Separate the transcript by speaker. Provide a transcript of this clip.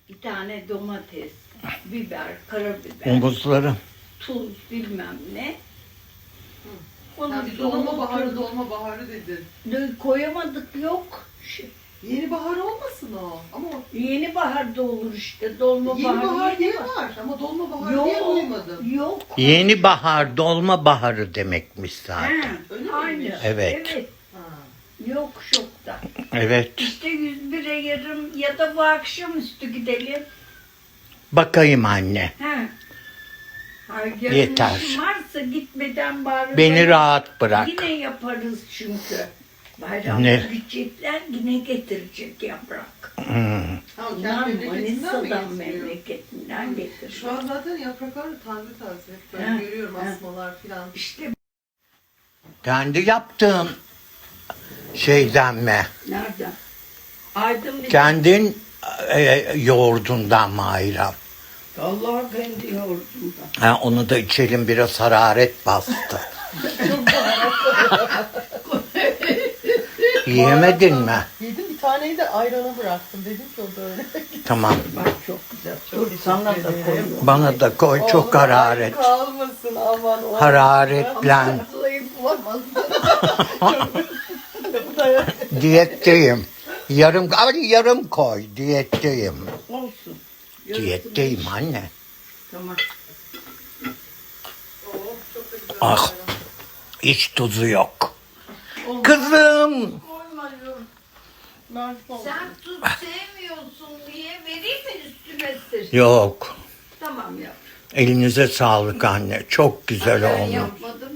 Speaker 1: bir tane domates, biber, karabiber,
Speaker 2: Omuzları.
Speaker 1: tuz bilmem ne. Onu
Speaker 3: Sen dolma baharı dedin.
Speaker 1: koyamadık yok.
Speaker 3: Yeni bahar olmasın o. Ama
Speaker 1: Yeni bahar da olur işte. Dolma
Speaker 3: yeni
Speaker 1: bahar.
Speaker 3: bahar diye var. Ama dolma bahar diye duymadım.
Speaker 1: Yok.
Speaker 2: Yeni bahar, dolma baharı demekmiş zaten.
Speaker 1: Ha,
Speaker 3: Öyle miymiş?
Speaker 1: aynı.
Speaker 2: Evet.
Speaker 3: Ha.
Speaker 1: Yok şokta.
Speaker 2: Evet.
Speaker 1: İşte 101'e yarım ya da bu akşamüstü gidelim.
Speaker 2: Bakayım anne.
Speaker 1: Ha. Yarın
Speaker 2: Yeter.
Speaker 1: işim varsa gitmeden bari.
Speaker 2: Beni rahat bırak.
Speaker 1: Yine yaparız çünkü. Bayramda
Speaker 2: Ne?
Speaker 1: gidecekler yine getirecek yaprak.
Speaker 3: Tamam,
Speaker 1: Bunlar
Speaker 3: kendi memleketinden mi
Speaker 1: Manisa'dan
Speaker 3: getiriyor?
Speaker 1: memleketinden getiriyor.
Speaker 3: Şu an zaten yapraklar da taze taze. Hep böyle
Speaker 1: Ha,
Speaker 3: görüyorum
Speaker 1: ha.
Speaker 3: asmalar filan.
Speaker 1: İşte
Speaker 2: Kendi yaptığın şeyden mi?
Speaker 1: nereden? Aydın bir
Speaker 2: Kendin yoğurdundan mı ayran?
Speaker 1: Vallahi kendi yoğurdumdan.
Speaker 2: Ha, onu da içelim, biraz hararet bastı. Yiyemedin mi?
Speaker 3: Yedim, bir taneyi de ayrana bıraktım. Dedim ki o da öyle.
Speaker 2: Tamam.
Speaker 1: Bak çok güzel. Dur sana da koyuyorum.
Speaker 2: Bana da koy, çok
Speaker 3: Oğlum,
Speaker 2: hararet.
Speaker 3: kalmasın aman. o.
Speaker 2: Hararetlen.
Speaker 3: Zayıf olamaz.
Speaker 2: Diyetteyim. Yarım koy. Diyetteyim.
Speaker 1: Olsun.
Speaker 2: Diyetteyim anne.
Speaker 1: Tamam.
Speaker 3: Çok da güzel.
Speaker 2: Ah. Hiç tuzu yok. Kızım.
Speaker 1: Sen tuz sevmiyorsun diye vereyim mi üstüne sır?
Speaker 2: Yok.
Speaker 1: Tamam yap.
Speaker 2: Elinize sağlık anne. Çok güzel
Speaker 1: Ben
Speaker 2: olmuş.
Speaker 1: yapmadım